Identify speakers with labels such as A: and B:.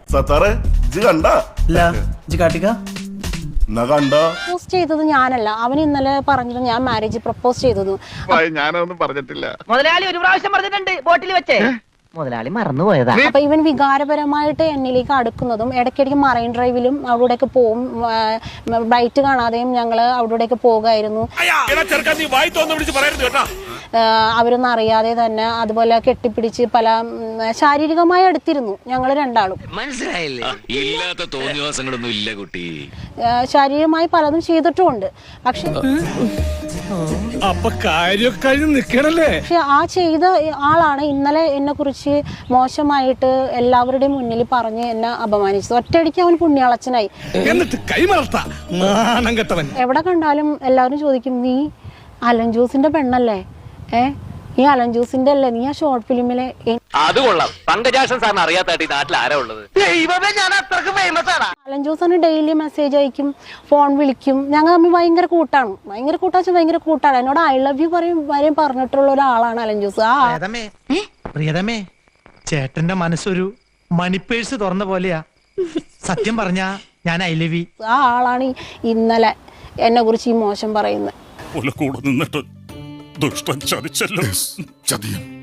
A: സത്താറെ ഇജ്ജ് കണ്ട
B: പ്രപ്പോസ് ചെയ്തത് ഞാനല്ല. അവൻ ഇന്നലെ പറഞ്ഞത് ഞാൻ മാരേജ് പ്രപ്പോസ് ചെയ്തത്.
A: ഞാനൊന്നും പറഞ്ഞിട്ടില്ല.
C: മുതലാളി ഒരു പ്രാവശ്യം പറഞ്ഞിട്ടുണ്ട് ബോട്ടിൽ വെച്ചേ. മുതലാളി മറന്നുപോയതാ.
B: അപ്പൊ ഇവൻ വികാരപരമായിട്ട് എന്നിലേക്ക് അടുക്കുന്നതും ഇടയ്ക്കിടയ്ക്ക് മറൈൻ ഡ്രൈവിലും അവിടേക്ക് പോവും. ബ്രൈറ്റ് കാണാതെയും ഞങ്ങള് അവിടേക്ക് പോകുമായിരുന്നു. അവരൊന്നും അറിയാതെ തന്നെ അതുപോലെ കെട്ടിപ്പിടിച്ച് പല ശാരീരികമായി അടുത്തിരുന്നു ഞങ്ങൾ രണ്ടാളും.
D: മനസ്സിലായില്ലേ? ഇല്ലാത്ത തോന്നിവാസങ്ങളൊന്നും ഇല്ല കുട്ടി.
B: ശാരീരികമായി പലതും ചെയ്തിട്ടുമുണ്ട്. പക്ഷെ ആ ചെയ്ത ആളാണ് ഇന്നലെ എന്നെ കുറിച്ച് മോശമായിട്ട് എല്ലാവരുടെയും മുന്നിൽ പറഞ്ഞ് എന്നെ അപമാനിച്ചത്. ഒറ്റയടിക്ക് അവൻ പുണ്യാളച്ചനായി. എവിടെ കണ്ടാലും എല്ലാവരും ചോദിക്കും, നീ അലൻ ജോസിന്റെ പെണ്ണല്ലേ? ഈ അലൻ ജോസിന്റെ അല്ലേ നീ ആ ഷോർട്ട് ഫിലിമിലെ?
D: അത് കൊള്ളാം. പങ്കജാക്ഷൻ സാറിന് അറിയാത്തായിട്ട് ഈ നാട്ടിൽ ആരാ ഉള്ളത്?
B: അലൻ ജോസാണ് ഡെയിലി മെസ്സേജ് അയക്കും, ഫോൺ വിളിക്കും. ഞങ്ങൾ തമ്മിൽ ഭയങ്കര കൂട്ടാണ്. ഭയങ്കര കൂട്ടാണ്. എന്നോട് ഐ ലവ് യു വരെയും പറഞ്ഞിട്ടുള്ള ഒരാളാണ് അലൻ ജോസ്.
E: പ്രിയതമേ, ചേട്ടന്റെ മനസ്സൊരു മണിപ്പേഴ്സ് തുറന്ന പോലെയാ. സത്യം പറഞ്ഞ ഞാൻ ഐ ലവ് യു.
B: ആ ആളാണ് ഇന്നലെ എന്നെ കുറിച്ച് ഈ മോശം പറയുന്നത്.
A: ദുഷ്ടൻ ചതിച്ചല്ലോ. ചതിയും